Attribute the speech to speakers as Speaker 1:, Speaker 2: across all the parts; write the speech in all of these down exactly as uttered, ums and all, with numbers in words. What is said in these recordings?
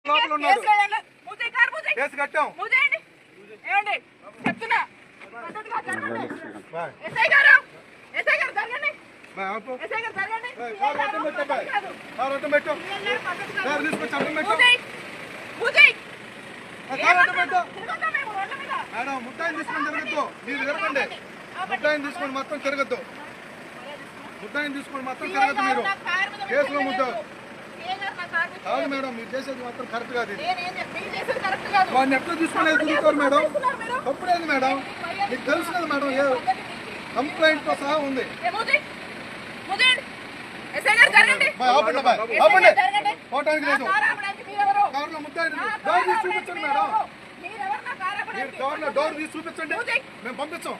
Speaker 1: Case కట్టాం.
Speaker 2: ఏమండి చెప్తున్నా ఎస్ఐ గారు ఎస్ఐ గారు జరగండి ఎస్ఐ గారు జరగండి
Speaker 1: మేడం ముట్టాయిని తీసుకొని తిరగద్దు. మీరు తిరగండి. ముట్టాయిని తీసుకొని మొత్తం తిరగద్దు. ముట్టాయిని తీసుకొని మొత్తం తిరగద్దు. మీరు కేసులో ముద్దారు కాదు మేడం. మీరు చేసేది మాత్రం కరెక్ట్ కాదు. వాడిని ఎట్లా తీసుకునేది తిరుగుతారు మేడం. తప్పులేదు మేడం. మీకు తెలుసు కదా మేడం. ఏ కంప్లైంట్ తో సహా ఉంది. పోవటానికి లేదు. కార్లో ముద్దాయి డోర్ తీసి చూపించండి మేడం. మీరు డోర్లో డోర్ తీసి చూపించండి. మేము పంపించాం.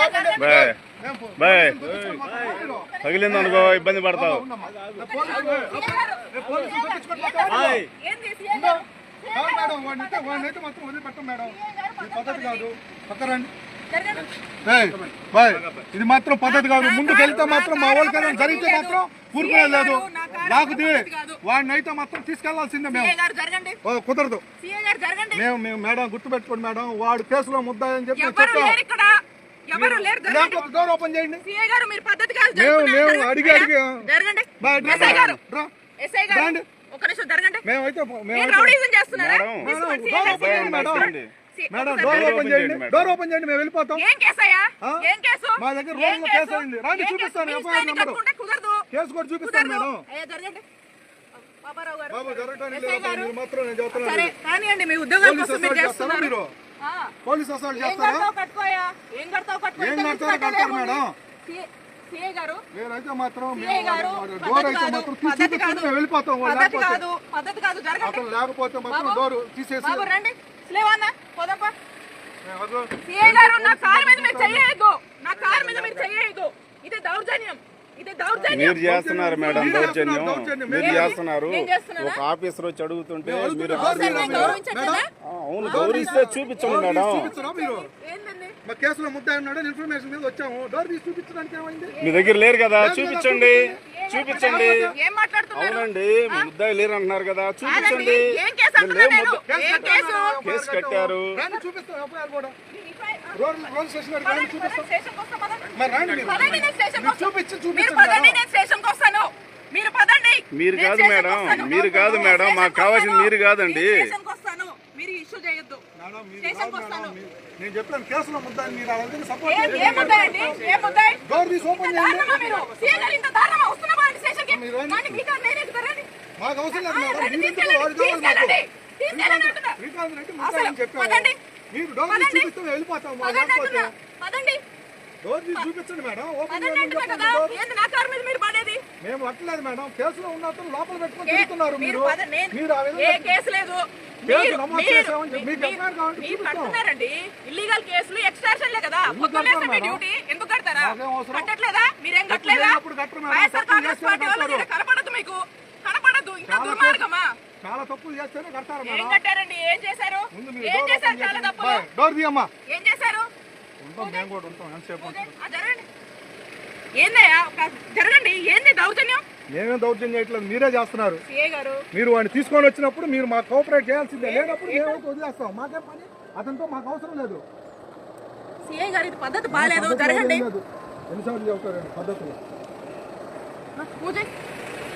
Speaker 3: తగిలింది అనుకో ఇబ్బంది పడతావు.
Speaker 1: మేడం వాడిని వాడిని అయితే మొత్తం వదిలిపెట్టం మేడం. ఇది పద్ధతి కాదు. పక్కరండి. ఇది మాత్రం పద్ధతి కాదు. ముందుకు వెళ్తే మాత్రం మా వాళ్ళకి జరిగితే మాత్రం ఊరుకునే లేదు. లేకపోతే వాడిని అయితే మాత్రం తీసుకెళ్లాల్సిందే. మేము కుదరదు. మేము మేము మేడం గుర్తుపెట్టుకోండి మేడం. వాడు కేసులో ముద్దాయని చెప్పి డోర్ ఓపెన్ చేయండి. మేము మేము అడిగి అడిగి మేమైతే మేడం డోర్ ఓపెన్ చేయండి. డోర్ ఓపెన్ చేయండి. మేము వెళ్ళిపోతాం. మా దగ్గర రోజులో కేసు అయింది. రాండి చూపిస్తాను. ఎఫ్ఐఆర్ నెంబర్ కేసు కూడా చూపిస్తాను మేడం. బాబు జరగడానికి లేదు మాత్రం నేను చెప్తున్నాను. మీరు పోలీస్ అసలు చేస్తారా? ఏం కడతారు కడతారు మేడం. నేనైతే మాత్రం డోర్ అయితే మాత్రం చూపిస్తాను. మేము వెళ్ళిపోతాం. అతను లేకపోతే మాత్రం డోర్ తీసేసి
Speaker 3: మీరు చేస్తున్నారు మేడం దౌర్జన్యం. మీరు చేస్తున్నారు. ఒక ఆఫీసర్ వచ్చి అడుగుతుంటే మీరు అవును గౌరవిస్తే చూపించండి మేడం.
Speaker 1: కేసులో ముద్దాయి ఉన్నాడు ఇన్ఫర్మేషన్ మీద వచ్చాము. డోర్ తీసి చూపించడానికి ఏమైంది?
Speaker 3: మీ దగ్గర లేరు కదా చూపించండి. చూపించండి. అవునండి ముద్దాయి లేరు అంటున్నారు కదా చూపించండి. కేసు కట్టారు. మీరు కాదు మేడం. మీరు కాదు మేడం. మాకు కావాల్సింది మీరు కాదండి.
Speaker 1: నేను చెప్పాను కేసులో ముద్దాయి. మీరు సపోర్ట్ డోర్ తీసి ఓపెన్ చేయండి. మాకు అవసరం లేదు మేడం. మీరు డోర్ తీసి చూపిస్తే వెళ్ళిపోతాం. డోర్ తీసి చూపించండి మేడం. ఓపెన్ మేము అట్లేదు మేడం. కేసులో ఉన్నట్టు లోపల పెట్టుకొని తిరుగుతున్నారు మీరు. మీరు
Speaker 2: ఇల్లీగల్ కేసులు ఎక్స్ట్రాషన్లే కదా. ఎందుకు కడతారా? కట్టట్లేదా? మీరేం కట్టలేదా? కనపడదు మీకు కనపడదు. ఇంకా దుర్మార్గమా?
Speaker 1: చాలా తప్పులు చేస్తేనే కడతారు.
Speaker 2: ఏం కట్టారండి? ఏం చేశారు? ఏం చేశారు? చాలా తప్పులు.
Speaker 1: డోర్ తీయమ్మా.
Speaker 2: ఏం చేశారు?
Speaker 1: మేము కూడా ఉంటాం. ఎంతసేపు
Speaker 2: ఏందయ్యా జరగండి. ఏంది దౌర్జన్యం?
Speaker 1: మేమేం దౌర్జన్యం చేయట్లేదు. మీరే చేస్తున్నారు. మీరు వాడిని తీసుకొని వచ్చినప్పుడు మీరు మాకు కోఆపరేట్ చేయాల్సిందే. లేనప్పుడు మేమైతే వదిలేస్తాం. మాకేం పని అతనితో మాకు అవసరం లేదు.
Speaker 2: సిఐ గారు ఇది పద్ధతి బాగాలేదు. జరగండి.
Speaker 1: ఎన్నిసార్లు చెబుతారండి పద్ధతులు?